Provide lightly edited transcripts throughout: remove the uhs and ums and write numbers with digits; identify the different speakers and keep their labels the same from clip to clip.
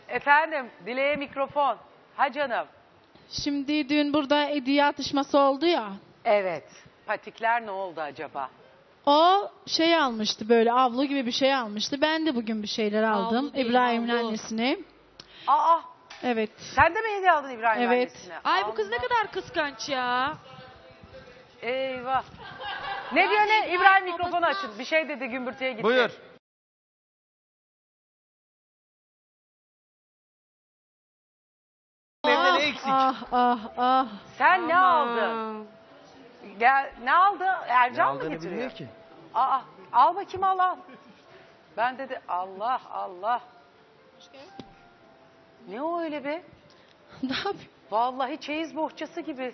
Speaker 1: Efendim, Dile'ye mikrofon. Ha canım.
Speaker 2: Şimdi dün burada hediye atışması oldu ya.
Speaker 1: Evet. Patikler ne oldu acaba?
Speaker 2: O şey almıştı, böyle avlu gibi bir şey almıştı. Ben de bugün bir şeyler aldım.
Speaker 3: Avlu değil,
Speaker 2: İbrahim'in
Speaker 3: avlu.
Speaker 2: annesine.
Speaker 1: Aa,
Speaker 2: Evet.
Speaker 1: sen de mi hediye aldın İbrahim
Speaker 2: Evet.
Speaker 1: annesine?
Speaker 3: Ay bu kız ne
Speaker 1: Allah.
Speaker 3: kadar kıskanç ya.
Speaker 1: Eyvah. Ne diyor ne? İbrahim mikrofonu açın. Bir şey dedi, gümbürtüye gitti.
Speaker 4: Buyur. Evde ne eksik?
Speaker 2: Ah.
Speaker 1: Sen ne aldın? Gel, ne aldı? Ercan mı
Speaker 4: aldığını
Speaker 1: getiriyor?
Speaker 4: bilmiyor ki.
Speaker 1: Aa, al bakayım al. Ben dedi Allah. Ne o öyle be?
Speaker 2: Ne yapayım?
Speaker 1: Vallahi çeyiz bohçası gibi.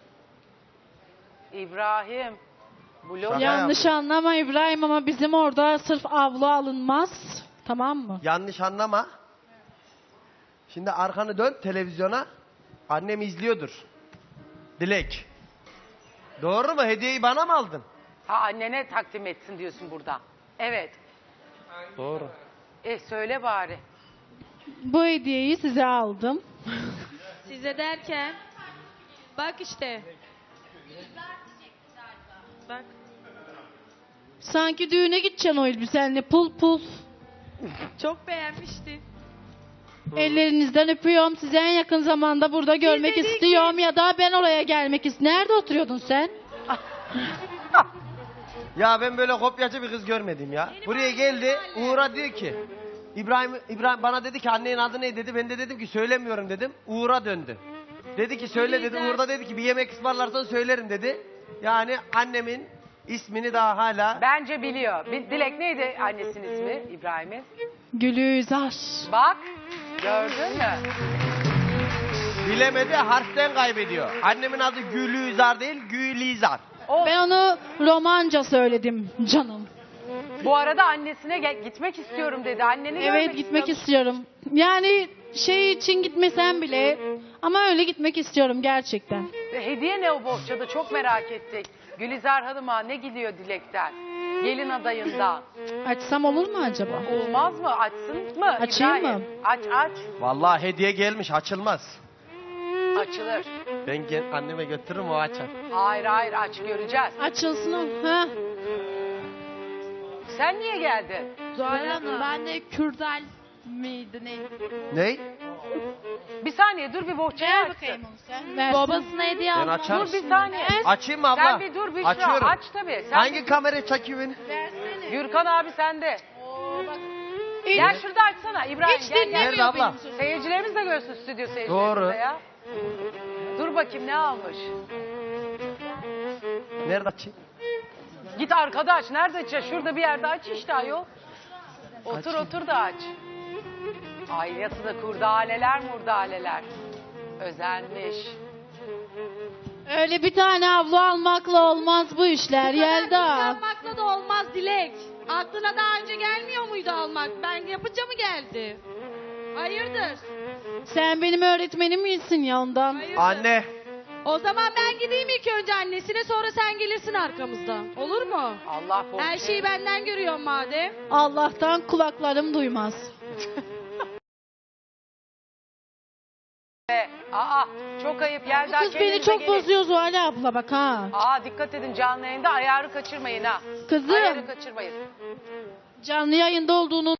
Speaker 1: İbrahim. Blok.
Speaker 4: Şaka
Speaker 2: Yanlış anlama İbrahim ama bizim orada sırf avlu alınmaz. Tamam mı?
Speaker 4: Yanlış anlama. Şimdi arkanı dön televizyona. Annem izliyordur. Dilek. Doğru mu? Hediyeyi bana mı aldın?
Speaker 1: Ha, annene takdim etsin diyorsun burada. Evet.
Speaker 4: Doğru.
Speaker 1: Söyle bari.
Speaker 2: Bu hediyeyi size aldım.
Speaker 3: Size derken. Bak işte. Bak.
Speaker 2: Sanki düğüne gideceksin o elbisenle pul.
Speaker 3: Çok beğenmişti.
Speaker 2: Ellerinizden öpüyorum. Sizi en yakın zamanda burada görmek
Speaker 3: dedi ki-
Speaker 2: istiyorum ya da ben oraya gelmek istiyorum. Nerede oturuyordun sen?
Speaker 4: Ya ben böyle kopyacı bir kız görmedim ya. Buraya geldi. Uğur'a diyor ki İbrahim bana dedi ki annenin adı ne dedi. Ben de dedim ki söylemiyorum dedim. Uğur'a döndü. Dedi ki söyle dedi. Uğur da dedi ki bir yemek ısmarlarsan söylerim dedi. Yani annemin ismini daha hala
Speaker 1: Bence biliyor. Dilek neydi annesinin ismi İbrahim'in?
Speaker 2: Gülüzar.
Speaker 1: Bak. Gördün mü?
Speaker 4: bilemedi, harften kaybediyor. Annemin adı Gülizar değil, Gülizar.
Speaker 2: Ben onu romanca söyledim canım.
Speaker 1: Bu arada annesine gitmek istiyorum dedi. Anneni
Speaker 2: Evet gitmek istiyorum. Yani şey için gitmesem bile ama öyle gitmek istiyorum gerçekten.
Speaker 1: Hediye ne o bohçada? Çok merak ettik. Gülizar Hanım'a ne gidiyor Dilek'ten? Gelin adayından.
Speaker 2: Açsam olur mu acaba?
Speaker 1: Olmaz mı? Açsın mı?
Speaker 2: Açayım
Speaker 1: İbrahim?
Speaker 2: mı?
Speaker 1: Aç.
Speaker 4: Vallahi hediye gelmiş, açılmaz.
Speaker 1: Açılır.
Speaker 4: Ben anneme götürürüm, o açar.
Speaker 1: Hayır aç göreceğiz.
Speaker 2: Açılsın o. Ha.
Speaker 1: Sen niye geldin?
Speaker 3: Zuhal Hanım. Ben de Kürdal miydi ne?
Speaker 4: Ney?
Speaker 1: Bir saniye dur bir bohçayı
Speaker 2: Ver
Speaker 1: açsın.
Speaker 2: bakayım onu sen. Versin.
Speaker 3: Babasına hediye
Speaker 4: Ben
Speaker 3: aldım.
Speaker 4: açarım.
Speaker 1: Dur bir saniye.
Speaker 4: Açayım mı abla?
Speaker 1: Sen bir dur Büşra.
Speaker 4: Açıyorum.
Speaker 1: Aç tabii. Sen
Speaker 4: Hangi
Speaker 1: bir-
Speaker 4: kamera çekiyor beni?
Speaker 2: Versene.
Speaker 1: Gürkan abi sende.
Speaker 2: Oo, bak.
Speaker 1: Gel şurada açsana İbrahim.
Speaker 2: Hiç
Speaker 1: gel.
Speaker 2: dinlemiyor
Speaker 4: Nerede abla?
Speaker 2: benim sözümü.
Speaker 1: Seyircilerimiz de görsün stüdyo seyircilerimiz
Speaker 4: Doğru.
Speaker 1: de ya. Dur bakayım ne almış.
Speaker 4: Nerede açayım?
Speaker 1: Git arkada aç. Nerede aç? Şurada bir yerde aç işte ayol. Otur da aç. Ailesi de kurdaleler murdaleler. Özenmiş.
Speaker 2: Öyle bir tane avlu almakla olmaz bu işler Yelda.
Speaker 3: Kıskanmakla da olmaz Dilek. Aklına daha önce gelmiyor muydu almak? Ben yapınca mı geldi? Hayırdır?
Speaker 2: Sen benim öğretmenim misin ya ondan?
Speaker 3: Hayırdır?
Speaker 4: Anne.
Speaker 3: O zaman ben gideyim ilk önce annesine, sonra sen gelirsin arkamızdan. Olur mu?
Speaker 1: Allah
Speaker 3: Her
Speaker 1: bohçayı.
Speaker 3: şeyi benden görüyorum madem.
Speaker 2: Allah'tan kulaklarım duymaz.
Speaker 1: Aa çok ayıp.
Speaker 2: Bu
Speaker 1: Yelda
Speaker 2: kız beni
Speaker 1: kendinize
Speaker 2: çok
Speaker 1: gelin.
Speaker 2: bozuyor Zuhal abla bak ha.
Speaker 1: Aa dikkat edin canlı yayında ayarı kaçırmayın ha.
Speaker 2: Kızım
Speaker 1: Ayarı kaçırmayın.
Speaker 2: canlı yayında olduğunu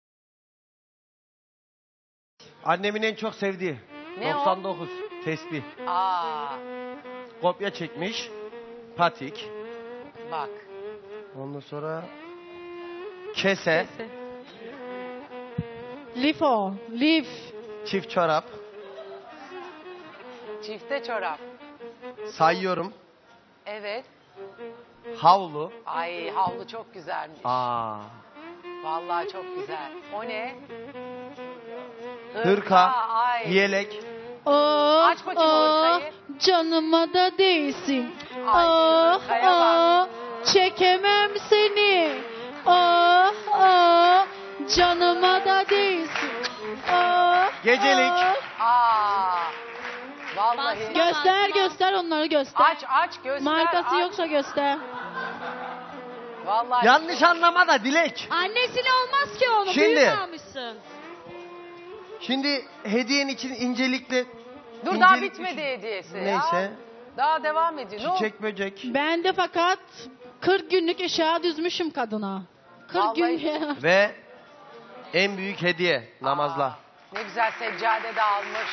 Speaker 4: Annemin en çok sevdiği.
Speaker 1: Ne o?
Speaker 4: 99. Tesbih.
Speaker 1: Aa
Speaker 4: Kopya çekmiş. Patik.
Speaker 1: bak.
Speaker 4: Ondan sonra kese,
Speaker 2: lif.
Speaker 4: çift çorap.
Speaker 1: Çifte çorap.
Speaker 4: Sayıyorum.
Speaker 1: Evet.
Speaker 4: Havlu.
Speaker 1: Ay havlu çok güzelmiş.
Speaker 4: Aa.
Speaker 1: Vallahi çok güzel. O ne?
Speaker 4: Hırka.
Speaker 1: Ay.
Speaker 4: Yelek.
Speaker 2: Oh,
Speaker 1: Aç bakayım ortayı.
Speaker 2: canıma da değsin.
Speaker 1: Ay,
Speaker 2: Oh,
Speaker 1: hırkaya bak.
Speaker 2: çekemem seni. Oh, canıma da değsin. Oh,
Speaker 4: Gecelik.
Speaker 1: Aa. Vallahi.
Speaker 2: Göster onları göster.
Speaker 1: Aç göster.
Speaker 2: Markası
Speaker 1: aç.
Speaker 2: yoksa göster.
Speaker 1: Vallahi.
Speaker 4: Yanlış anlama da Dilek.
Speaker 3: Annesine olmaz ki onu.
Speaker 4: Şimdi.
Speaker 3: Büyük almışsın.
Speaker 4: Şimdi hediyen için incelikle...
Speaker 1: Dur daha
Speaker 4: incelik
Speaker 1: bitmedi
Speaker 4: düşün-
Speaker 1: hediyesi. ya.
Speaker 4: Neyse.
Speaker 1: Daha devam ediyor. Ne oldu?
Speaker 4: Çiçek böcek.
Speaker 2: Ben de fakat 40 günlük eşya düzmüşüm kadına. 40 gün
Speaker 1: Vallahi-
Speaker 2: ya.
Speaker 4: Ve en büyük hediye namazla.
Speaker 1: Ne güzel seccade de almış.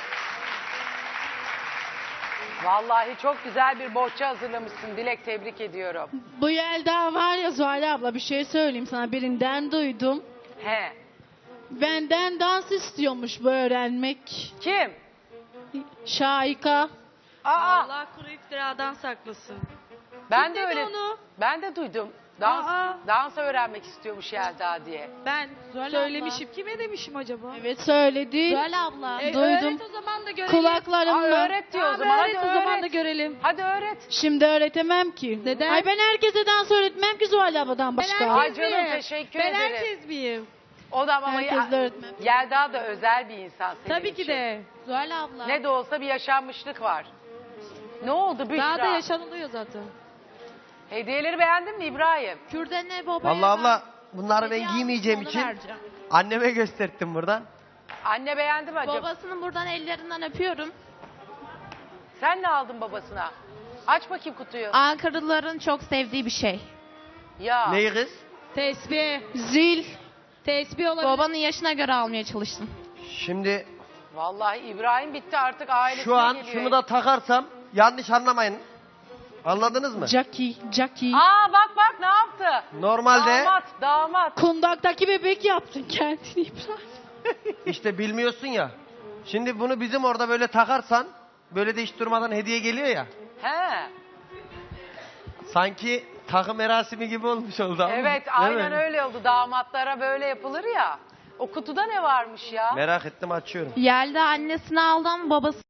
Speaker 1: Vallahi çok güzel bir bohça hazırlamışsın Dilek, tebrik ediyorum.
Speaker 2: Bu Yelda var ya Zuhal abla, bir şey söyleyeyim sana, birinden duydum.
Speaker 1: He.
Speaker 2: Benden dans istiyormuş bu öğrenmek.
Speaker 1: Kim?
Speaker 2: Şahika.
Speaker 1: Aa,
Speaker 3: Allah kuru iftiradan saklasın.
Speaker 1: ben de
Speaker 3: dedi
Speaker 1: öyle.
Speaker 3: onu?
Speaker 1: Ben de duydum.
Speaker 3: Aa.
Speaker 1: Dans öğrenmek istiyormuş Yelda diye.
Speaker 3: Ben söylemişim. Kime demişim acaba?
Speaker 2: Evet söyledi.
Speaker 5: Zuhal abla.
Speaker 2: Duydum.
Speaker 3: Öğret o zaman da görelim.
Speaker 2: Kulaklarımla.
Speaker 1: Öğret diyor o zaman.
Speaker 3: Öğret
Speaker 1: Hadi
Speaker 3: o zaman da
Speaker 1: öğret.
Speaker 3: görelim.
Speaker 1: Hadi öğret.
Speaker 2: Şimdi öğretemem ki.
Speaker 3: Neden?
Speaker 2: Ay ben herkese dans öğretmem ki Zuhal abladan başka.
Speaker 3: Ben
Speaker 1: Ay
Speaker 3: herkes
Speaker 1: canım,
Speaker 3: miyim?
Speaker 1: teşekkür
Speaker 3: ben
Speaker 1: ederim.
Speaker 3: herkes miyim?
Speaker 1: O da ama
Speaker 2: Herkes de öğretmen.
Speaker 1: Yelda da özel bir insan senin
Speaker 3: Tabii ki
Speaker 1: için.
Speaker 3: de.
Speaker 5: Zuhal abla.
Speaker 1: Ne de olsa bir yaşanmışlık var. Ne oldu Büşra?
Speaker 3: Daha da yaşanılıyor zaten.
Speaker 1: Hediyeleri beğendin mi İbrahim?
Speaker 5: Kürdanı babaya
Speaker 4: Allah abla
Speaker 5: ben
Speaker 4: bunları ben
Speaker 5: hediye
Speaker 4: giymeyeceğim
Speaker 5: almıştım, onu
Speaker 4: için
Speaker 5: vereceğim.
Speaker 4: anneme gösterdim buradan.
Speaker 1: Anne beğendi mi acaba?
Speaker 5: Babasının buradan ellerinden öpüyorum.
Speaker 1: Sen ne aldın babasına? Aç bakayım kutuyu.
Speaker 5: Ankaralıların çok sevdiği bir şey.
Speaker 1: Ya.
Speaker 4: Neyi kız?
Speaker 3: Tesbih.
Speaker 2: Zil.
Speaker 3: Tesbih olabilir.
Speaker 5: Babanın yaşına göre almaya çalıştım.
Speaker 4: Şimdi
Speaker 1: Vallahi İbrahim bitti artık ailesine
Speaker 4: şu an
Speaker 1: geliyor.
Speaker 4: şunu da takarsam yanlış anlamayın. Anladınız mı?
Speaker 2: Jackie.
Speaker 1: Aa bak ne yaptı?
Speaker 4: Normalde
Speaker 1: Damat.
Speaker 2: Kundaktaki bebek yaptın kendini İbrahim.
Speaker 4: işte bilmiyorsun ya. Şimdi bunu bizim orada böyle takarsan böyle de hiç durmadan hediye geliyor ya.
Speaker 1: He.
Speaker 4: Sanki takım merasimi gibi olmuş oldu ama.
Speaker 1: Evet
Speaker 4: Değil
Speaker 1: aynen
Speaker 4: mi?
Speaker 1: öyle oldu. Damatlara böyle yapılır ya. O kutuda ne varmış ya?
Speaker 4: Merak ettim, açıyorum.
Speaker 5: Yelda annesini aldı ama babası...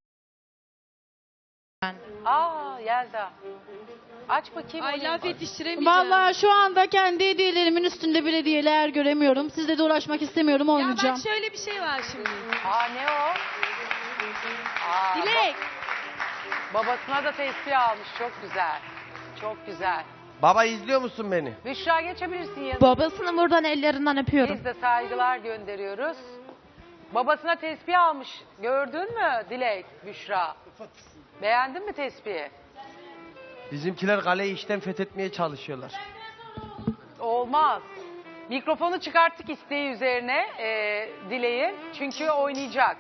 Speaker 1: Aa Yelda. Aç bakayım.
Speaker 3: Ay
Speaker 1: onu.
Speaker 3: laf yetiştiremeyeceğim.
Speaker 2: Vallahi şu anda kendi hediyelerimin üstünde bir hediyeler göremiyorum. Sizle de uğraşmak istemiyorum,
Speaker 3: Ya
Speaker 2: oynayacağım.
Speaker 3: bak şöyle bir şey var şimdi.
Speaker 1: Aa ne o? Aa,
Speaker 3: Dilek.
Speaker 1: Babasına da tesbih almış. Çok güzel. Çok güzel.
Speaker 4: Baba izliyor musun beni?
Speaker 1: Büşra geçebilirsin yanına.
Speaker 5: Babasının buradan ellerinden öpüyorum.
Speaker 1: Biz de saygılar gönderiyoruz. Babasına tesbih almış. Gördün mü Dilek, Büşra? Beğendin mi tesbihi?
Speaker 4: Bizimkiler kaleyi işten fethetmeye çalışıyorlar.
Speaker 1: Olmaz. Mikrofonu çıkarttık isteği üzerine Dilek'in. Çünkü oynayacak.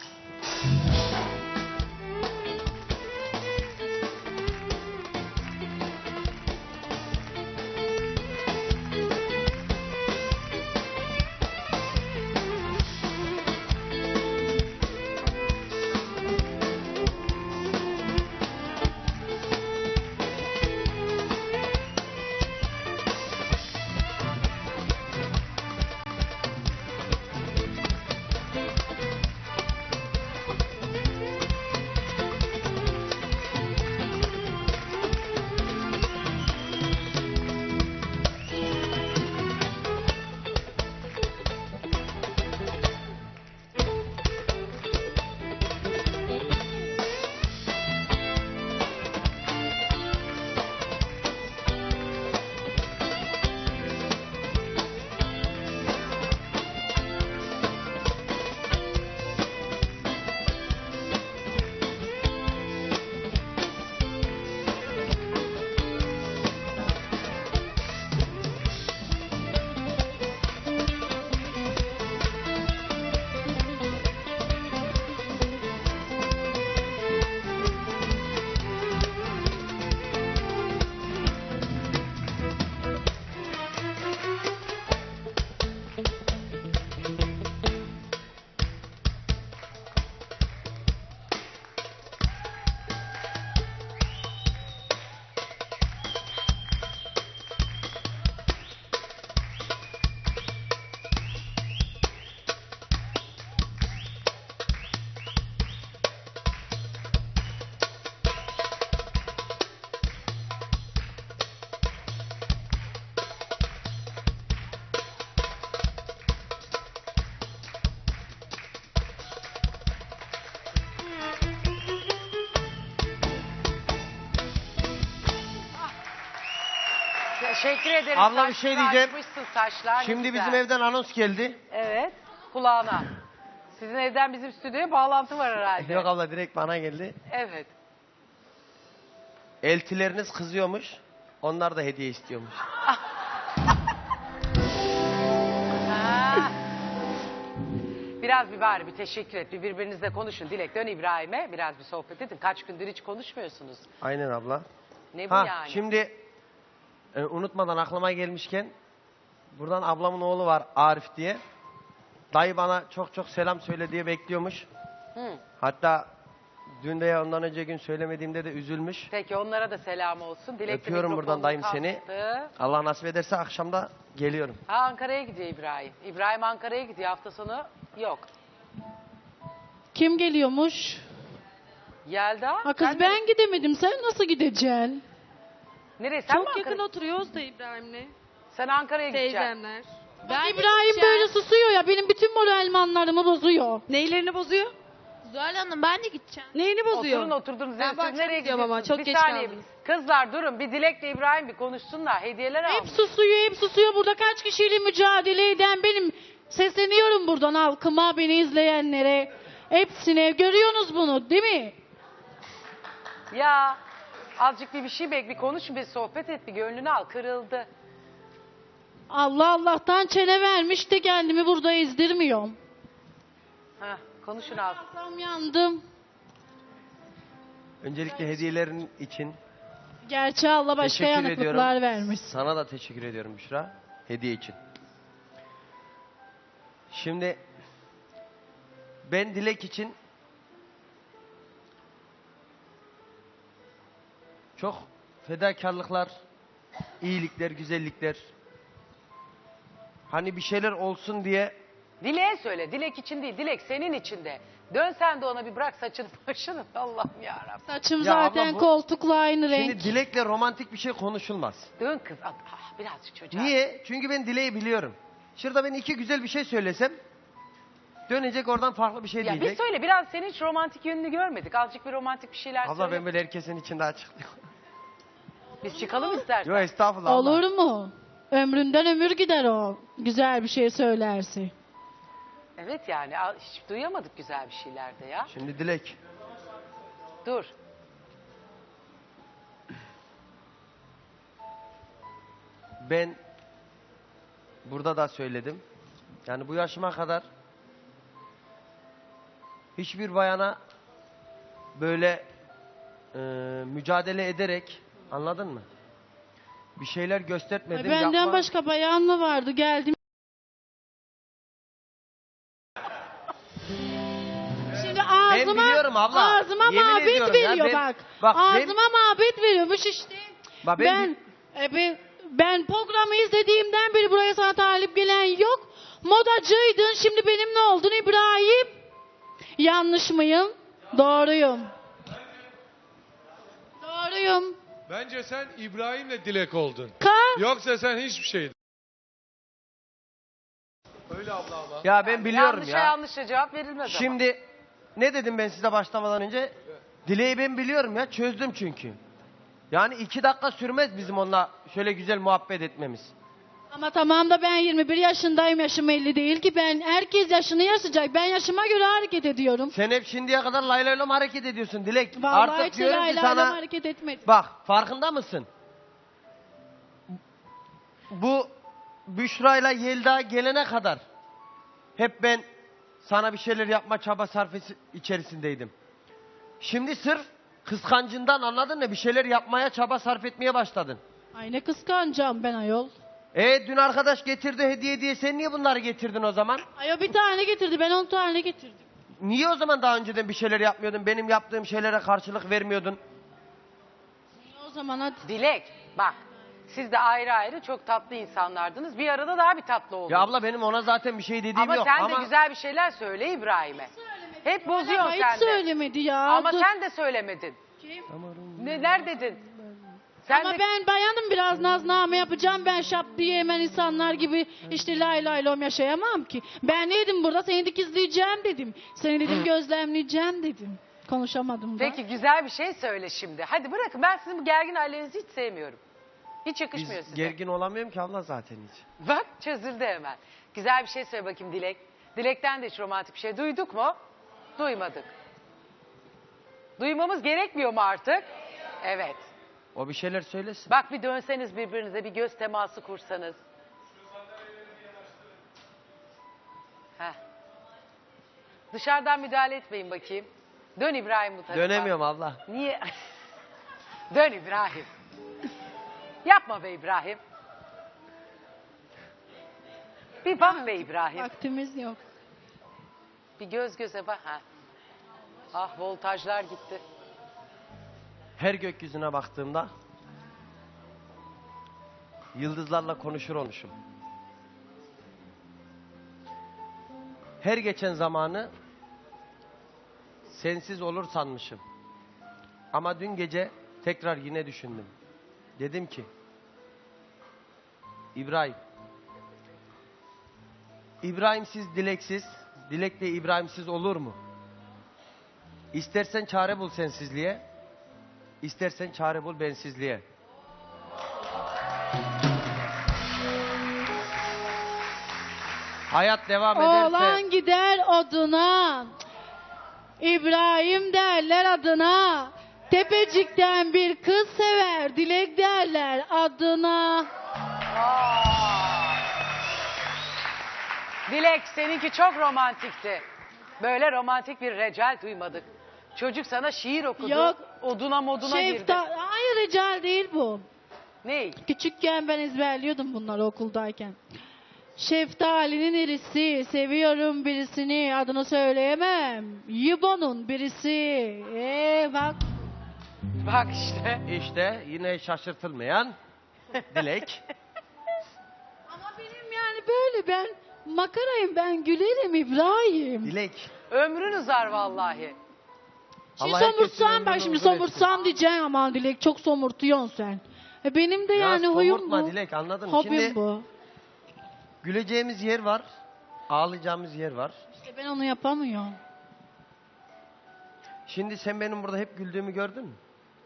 Speaker 1: Teşekkür ederim.
Speaker 4: Abla bir şey
Speaker 1: Saçları
Speaker 4: diyeceğim.
Speaker 1: açmışsın, saçlar ne
Speaker 4: Şimdi
Speaker 1: güzel.
Speaker 4: bizim evden anons geldi.
Speaker 1: Evet. Kulağına. Sizin evden bizim stüdyoya bağlantı var herhalde.
Speaker 4: Yok abla direkt bana geldi.
Speaker 1: Evet.
Speaker 4: Eltileriniz kızıyormuş. Onlar da hediye istiyormuş.
Speaker 1: Ha. Biraz bir teşekkür et. Birbirinizle konuşun. Dilek dön İbrahim'e. Biraz bir sohbet edin. Kaç gündür hiç konuşmuyorsunuz.
Speaker 4: Aynen abla.
Speaker 1: Ne bu yani?
Speaker 4: Şimdi unutmadan aklıma gelmişken buradan ablamın oğlu var Arif diye. Dayı bana çok çok selam söyle diye bekliyormuş.
Speaker 1: Hı.
Speaker 4: Hatta dün de ya ondan önce gün söylemediğimde de üzülmüş.
Speaker 1: Peki onlara da selam olsun. Dilek de
Speaker 4: Öpüyorum buradan
Speaker 1: mikrofonunu
Speaker 4: dayım seni.
Speaker 1: kaptı.
Speaker 4: Allah nasip ederse akşamda geliyorum.
Speaker 1: Ha, Ankara'ya gidiyor İbrahim. İbrahim Ankara'ya gidiyor. Hafta sonu yok.
Speaker 2: Kim geliyormuş?
Speaker 1: Yelda.
Speaker 2: Ha kız
Speaker 1: sen
Speaker 2: ben gidemedim. Sen nasıl gideceksin?
Speaker 1: Nereye? Sen mi
Speaker 3: Çok yakın
Speaker 1: Ankara?
Speaker 3: oturuyoruz da İbrahim'le.
Speaker 1: Sen Ankara'ya gideceksin.
Speaker 3: Teyzemler.
Speaker 2: Ben İbrahim böyle susuyor ya. Benim bütün moralmanlarımı bozuyor.
Speaker 3: Neylerini bozuyor?
Speaker 5: Zuhal Hanım ben de gideceğim.
Speaker 3: Neyini bozuyor?
Speaker 1: Oturun oturdunuz.
Speaker 3: Ben
Speaker 1: Siz
Speaker 3: bu akşam
Speaker 1: nereye
Speaker 3: gidiyorum ama,
Speaker 1: gidiyorsunuz?
Speaker 3: çok
Speaker 1: Bir
Speaker 3: geç
Speaker 1: saniye.
Speaker 3: kaldınız.
Speaker 1: Kızlar durun. Bir Dilek'le İbrahim bir konuşsunlar. Hediyeler
Speaker 2: Hep
Speaker 1: almış.
Speaker 2: susuyor, hep susuyor. Burada kaç kişiyle mücadele eden benim. Sesleniyorum buradan halkıma, beni izleyenlere. Hepsine. Görüyorsunuz bunu değil mi?
Speaker 1: Ya azıcık bir şey bek, bir konuş, bir sohbet et, bir gönlünü al. Kırıldı.
Speaker 2: Allah Allah'tan çene vermiş de kendimi burada ezdirmiyorum.
Speaker 1: Hah, konuşun az.
Speaker 2: Tam yandım.
Speaker 4: Öncelikle hediyelerin için
Speaker 2: Gerçi Allah başka
Speaker 4: teşekkür
Speaker 2: yanıklıklar
Speaker 4: ediyorum.
Speaker 2: vermiş.
Speaker 4: Sana da teşekkür ediyorum Büşra. Hediye için. Şimdi ben Dilek için çok fedakarlıklar, iyilikler, güzellikler. Hani bir şeyler olsun diye
Speaker 1: Dilek'e söyle. Dilek için değil. Dilek senin için de. Dön sen de ona bir bırak saçını başını. Allah'ım yarabbim.
Speaker 2: Saçım
Speaker 4: Ya
Speaker 2: zaten
Speaker 4: abla bu-
Speaker 2: koltukla aynı renk.
Speaker 4: şimdi Dilek'le romantik bir şey konuşulmaz.
Speaker 1: Dön kız. Birazcık çocuğa.
Speaker 4: Niye? Çünkü ben Dilek'i biliyorum. Şurada ben iki güzel bir şey söylesem dönecek oradan farklı bir şey
Speaker 1: Ya bir
Speaker 4: diyecek.
Speaker 1: söyle. Biraz senin hiç romantik yönünü görmedik. Azıcık bir romantik bir şeyler
Speaker 4: Abla
Speaker 1: söyle.
Speaker 4: ben böyle herkesin içinde açıklıyorum.
Speaker 1: Biz çıkalım istersen.
Speaker 4: Yok estağfurullah abla.
Speaker 2: Olur mu? Ömründen ömür gider o. Güzel bir şey söylerse.
Speaker 1: Evet yani hiç duyamadık güzel bir şeyler de ya.
Speaker 4: Şimdi Dilek.
Speaker 1: Dur.
Speaker 4: Ben burada da söyledim. Yani bu yaşıma kadar hiçbir bayana böyle mücadele ederek, anladın mı? Bir şeyler
Speaker 2: Ay,
Speaker 4: göstermedim.
Speaker 2: benden
Speaker 4: yapma.
Speaker 2: başka bayan mı vardı? Geldim. Şimdi ağzıma,
Speaker 4: biliyorum abla.
Speaker 2: ağzıma
Speaker 4: Yemin
Speaker 2: mabet
Speaker 4: ediyorum ya,
Speaker 2: veriyor
Speaker 4: ben-
Speaker 2: bak.
Speaker 4: bak ben-
Speaker 2: Ağzıma mabet veriyormuş işte.
Speaker 4: Bak
Speaker 2: Ben programı izlediğimden beri buraya sana talip gelen yok. Modacıydın, şimdi benim ne oldun İbrahim? Yanlış mıyım? Doğruyum. Doğruyum.
Speaker 6: Bence sen İbrahim'le Dilek oldun. Yoksa sen hiçbir şeydin. Öyle abla ama.
Speaker 4: Ya ben biliyorum
Speaker 1: Yanlışa
Speaker 4: ya.
Speaker 1: yanlışa cevap verilmez ama.
Speaker 4: Şimdi ne dedim ben size başlamadan önce? Dileği ben biliyorum ya, çözdüm çünkü. Yani 2 dakika sürmez bizim onunla şöyle güzel muhabbet etmemiz.
Speaker 2: Ama tamam da ben 21 yaşındayım, yaşım 50 değil ki. Ben herkes yaşını yaşayacak. Ben yaşıma göre hareket ediyorum.
Speaker 4: Sen hep şimdiye kadar lay lay lom hareket ediyorsun Dilek.
Speaker 2: Vallahi
Speaker 4: Artık
Speaker 2: hiç
Speaker 4: diyorum ki
Speaker 2: layla
Speaker 4: sana
Speaker 2: hareket etmedim.
Speaker 4: bak farkında mısın? Bu Büşra'yla Yelda gelene kadar hep ben sana bir şeyler yapma çaba sarfesi içerisindeydim. Şimdi sırf kıskancından, anladın mı? Bir şeyler yapmaya çaba sarf etmeye başladın.
Speaker 2: Ay ne kıskanacağım ben ayol.
Speaker 4: Dün arkadaş getirdi hediye diye sen niye bunları getirdin o zaman?
Speaker 2: Ay o bir tane getirdi, ben 10 tane getirdim.
Speaker 4: Niye o zaman daha önceden bir şeyler yapmıyordun? Benim yaptığım şeylere karşılık vermiyordun.
Speaker 2: O zaman hadi.
Speaker 1: Dilek bak. Siz de ayrı ayrı çok tatlı insanlardınız. Bir arada daha bir tatlı oldunuz.
Speaker 4: Ya abla benim ona zaten bir şey dediğim
Speaker 1: ama
Speaker 4: yok.
Speaker 1: sen
Speaker 4: Ama
Speaker 1: de güzel bir şeyler söyle İbrahim'e. Hep bozuyorsun
Speaker 2: Ama hiç
Speaker 1: sen de.
Speaker 2: söylemedi ya.
Speaker 1: Ama
Speaker 2: Dur.
Speaker 1: sen de söylemedin. Neler dedin? Sen
Speaker 2: Ama
Speaker 1: de...
Speaker 2: ben bayanım, biraz nazname yapacağım. Ben şap diye hemen insanlar gibi işte lay lay lom yaşayamam ki. Ben ne dedim burada? Seni dikizleyeceğim dedim. Seni dedim gözlemleyeceğim dedim. Konuşamadım da.
Speaker 1: Peki güzel bir şey söyle şimdi. Hadi bırakın, ben sizin bu gergin hallerinizi hiç sevmiyorum. Hiç yakışmıyor
Speaker 4: biz
Speaker 1: size.
Speaker 4: gergin olamıyorum ki abla zaten hiç.
Speaker 1: Bak çözüldü hemen. Güzel bir şey söyle bakayım Dilek. Dilek'ten de hiç romantik bir şey duyduk mu? Duymadık. Duymamız gerekmiyor mu artık? Evet.
Speaker 4: O bir şeyler söylesin.
Speaker 1: Bak bir dönseniz birbirinize, bir göz teması kursanız. Heh. Dışarıdan müdahale etmeyin bakayım. Dön İbrahim bu tarafa.
Speaker 4: Dönemiyorum abla.
Speaker 1: Niye? Dön İbrahim. Yapma be İbrahim. Bir bak be İbrahim.
Speaker 2: Vaktimiz yok.
Speaker 1: Bir göz göze bak. Ha. Ah voltajlar gitti.
Speaker 4: Her gökyüzüne baktığımda yıldızlarla konuşur olmuşum. Her geçen zamanı sensiz olur sanmışım. Ama dün gece tekrar yine düşündüm. Dedim ki İbrahimsiz dileksiz, dilek de İbrahimsiz olur mu? İstersen çare bul sensizliğe, istersen çare bul bensizliğe. Hayat devam ederse...
Speaker 2: Oğlan gider oduna, İbrahim derler adına. Tepecikten bir kız sever, Dilek derler adına.
Speaker 1: Dilek seninki çok romantikti. Böyle romantik bir recal duymadık. Çocuk sana şiir okudu.
Speaker 2: Yok.
Speaker 1: Oduna moduna girdi.
Speaker 2: Hayır rical değil bu.
Speaker 1: Ne?
Speaker 2: Küçükken ben ezberliyordum bunları okuldayken. Şeftali'nin irisi, seviyorum birisini, adını söyleyemem. Yibon'un birisi. Bak.
Speaker 1: Bak işte.
Speaker 4: İşte yine şaşırtılmayan Dilek.
Speaker 2: Ama benim yani böyle ben makarayım, ben gülerim İbrahim.
Speaker 4: Dilek.
Speaker 1: Ömrün uzar vallahi.
Speaker 2: Şimdi
Speaker 4: Allah herkesin
Speaker 2: somursam ben
Speaker 4: ömrünü
Speaker 2: şimdi
Speaker 4: uzun etsin.
Speaker 2: somursam diyeceğim aman Dilek çok somurtuyorsun sen. Benim de yani huyum
Speaker 4: somurtma
Speaker 2: bu.
Speaker 4: Dilek, anladın mı?
Speaker 2: Hobim
Speaker 4: Şimdi
Speaker 2: bu.
Speaker 4: güleceğimiz yer var, ağlayacağımız yer var.
Speaker 2: İşte ben onu yapamıyorum.
Speaker 4: Şimdi sen benim burada hep güldüğümü gördün mü?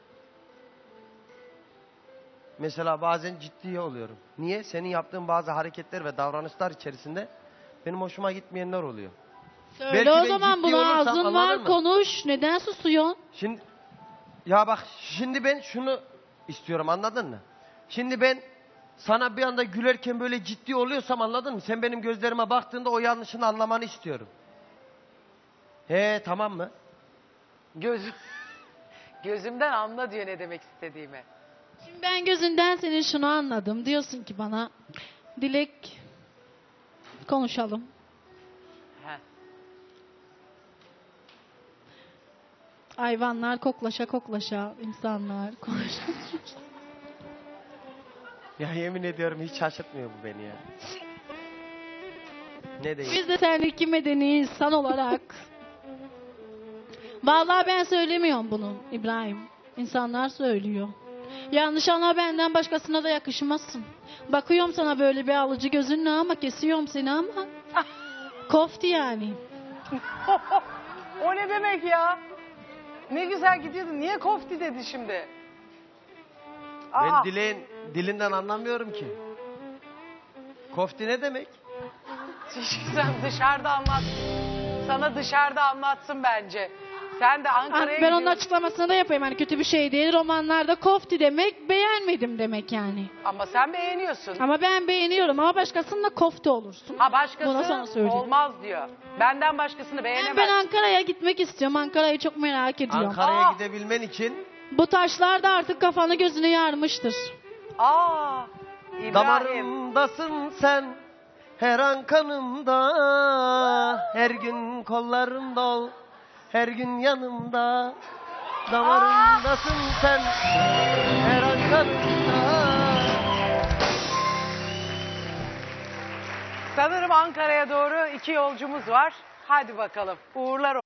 Speaker 4: Mesela bazen ciddiye oluyorum. Niye? Senin yaptığın bazı hareketler ve davranışlar içerisinde benim hoşuma gitmeyenler oluyor.
Speaker 2: Söyle
Speaker 4: Belki
Speaker 2: o
Speaker 4: ben
Speaker 2: zaman
Speaker 4: ciddi
Speaker 2: buna
Speaker 4: olursam,
Speaker 2: ağzın
Speaker 4: anladın
Speaker 2: var
Speaker 4: mı?
Speaker 2: konuş. Neden susuyorsun?
Speaker 4: Şimdi ya bak şimdi ben şunu istiyorum, anladın mı? Şimdi ben sana bir anda gülerken böyle ciddi oluyorsam, anladın mı? Sen benim gözlerime baktığında o yanlışını anlamanı istiyorum. Tamam mı?
Speaker 1: Gözümden anla diyor ne demek istediğimi.
Speaker 2: Şimdi ben gözünden senin şunu anladım. Diyorsun ki bana Dilek konuşalım.
Speaker 1: Heh.
Speaker 2: Hayvanlar koklaşa koklaşa, insanlar konuşa.
Speaker 4: Ya yemin ediyorum hiç şaşırtmıyor bu beni ya. Ne diyeyim?
Speaker 2: Biz de sen iki medeni insan olarak. Vallahi ben söylemiyorum bunu İbrahim. İnsanlar söylüyor. Yanlış anla, benden başkasına da yakışmazsın. Bakıyorum sana böyle bir alıcı gözünle ama kesiyorum seni ama. Kofti yani.
Speaker 1: O ne demek ya? Ne güzel gidiyordun. Niye kofti dedi şimdi?
Speaker 4: Ben dilinden anlamıyorum ki. Kofti ne demek?
Speaker 1: Sen dışarıda anlat. Sana dışarıda anlatsın bence. Sen de Ankara'ya
Speaker 2: Ben onun
Speaker 1: gidiyorsun.
Speaker 2: açıklamasını da yapayım. Hani kötü bir şey değil. Romanlarda kofti demek beğenmedim demek yani.
Speaker 1: Ama sen beğeniyorsun.
Speaker 2: Ama ben beğeniyorum ama başkasınınla kofti olursun.
Speaker 1: Ha
Speaker 2: Buna sana
Speaker 1: başkası
Speaker 2: söyleyeyim.
Speaker 1: olmaz diyor. Benden başkasını beğenemez.
Speaker 2: Ben Ankara'ya gitmek istiyorum. Ankara'yı çok merak ediyorum.
Speaker 4: Ankara'ya
Speaker 1: Aa!
Speaker 4: gidebilmen için
Speaker 2: Bu taşlar da artık kafanı gözünü yarmıştır.
Speaker 1: İbrahim.
Speaker 4: damarımdasın sen, her an kanımda, her gün kollarımda ol, her gün yanımda. Damarımdasın sen, her an kanımda.
Speaker 1: Sanırım Ankara'ya doğru 2 yolcumuz var. Hadi bakalım. Uğurlar